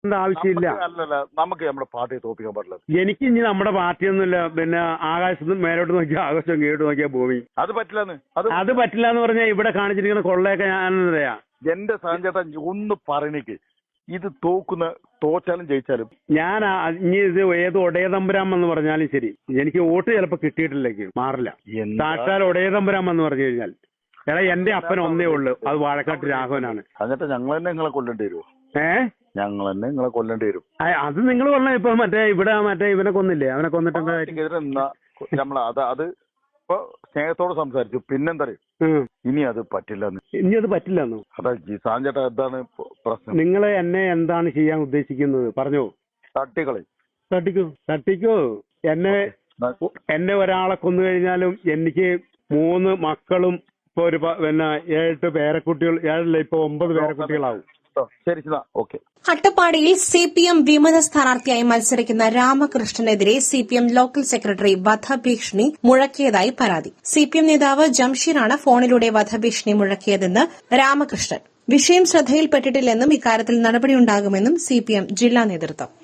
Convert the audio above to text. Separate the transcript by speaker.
Speaker 1: ആവശ്യമില്ല.
Speaker 2: അല്ലല്ല, നമുക്ക് നമ്മുടെ പാർട്ടിയെ തോപ്പിക്കാൻ പാടില്ല.
Speaker 1: എനിക്ക് ഇനി നമ്മുടെ പാർട്ടിയൊന്നുമില്ല. പിന്നെ ആകാശത്ത് മേലോട്ട് നോക്കിയാൽ ആകാശം കീഴോട്ട് നോക്കിയാൽ ഭൂമി.
Speaker 2: അത് പറ്റില്ലെന്ന്.
Speaker 1: അത് പറ്റില്ല എന്ന് പറഞ്ഞാൽ ഇവിടെ കാണിച്ചിരിക്കുന്ന കൊള്ളയൊക്കെ ഞാൻ പറയാ.
Speaker 2: എന്റെ സാഞ്ചേട്ടാ ഒന്ന് പറഞ്ഞേക്ക്, ഇത് തോറ്റാലും ജയിച്ചാലും
Speaker 1: ഞാൻ ഇനി ഇത് ഏത് ഒടയതമ്പുരാം എന്ന് പറഞ്ഞാലും ശരി, എനിക്ക് വോട്ട് ചിലപ്പോ കിട്ടിയിട്ടില്ലെങ്കിൽ മാറില്ല. സാക്ഷാൽ ഒടയതമ്പുരാം എന്ന് പറഞ്ഞു കഴിഞ്ഞാൽ എന്റെ അപ്പൻ ഒന്നേ ഉള്ളു, അത് വാഴക്കാട്ട് രാഘവനാണ്.
Speaker 2: എന്നിട്ട് ഞങ്ങൾ തന്നെ നിങ്ങളെ കൊല്ലേണ്ടി വരുമോ? ഞങ്ങൾ തന്നെ നിങ്ങളെ കൊല്ലേണ്ടി വരും.
Speaker 1: അത് നിങ്ങൾ പറഞ്ഞ ഇപ്പൊ ഇവിടെ ഇവനെ കൊന്നില്ലേ, അവനെ കൊന്നിട്ടെന്താ
Speaker 2: അത് ഇപ്പൊ സ്നേഹത്തോട് സംസാരിച്ചു. പിന്നെന്താ ഇനി അത് പറ്റില്ലെന്ന്. അതാ സാഞ്ചേട്ടാ, എന്താണ് പ്രശ്നം?
Speaker 1: നിങ്ങൾ എന്നെ എന്താണ് ചെയ്യാൻ ഉദ്ദേശിക്കുന്നത് പറഞ്ഞോ. തട്ടിക്കോ. എന്നെ ഒരാളെ കൊന്നു കഴിഞ്ഞാലും എനിക്ക് 3 മക്കളും ഇപ്പൊ ഒരു 7 പേരക്കുട്ടികൾ, 7 ഇപ്പൊ 9 പേരക്കുട്ടികളാവും.
Speaker 3: അട്ടപ്പാടിയിൽ സിപിഎം വിമത സ്ഥാനാർത്ഥിയായി മത്സരിക്കുന്ന രാമകൃഷ്ണനെതിരെ സിപിഎം ലോക്കൽ സെക്രട്ടറി വധഭീഷണി മുഴക്കിയതായി പരാതി. സിപിഎം നേതാവ് ജംഷീറാണ് ഫോണിലൂടെ വധഭീഷണി മുഴക്കിയതെന്ന് രാമകൃഷ്ണൻ. വിഷയം ശ്രദ്ധയിൽപ്പെട്ടിട്ടില്ലെന്നും ഇക്കാര്യത്തിൽ നടപടിയുണ്ടാകുമെന്നും സിപിഎം ജില്ലാ നേതൃത്വം.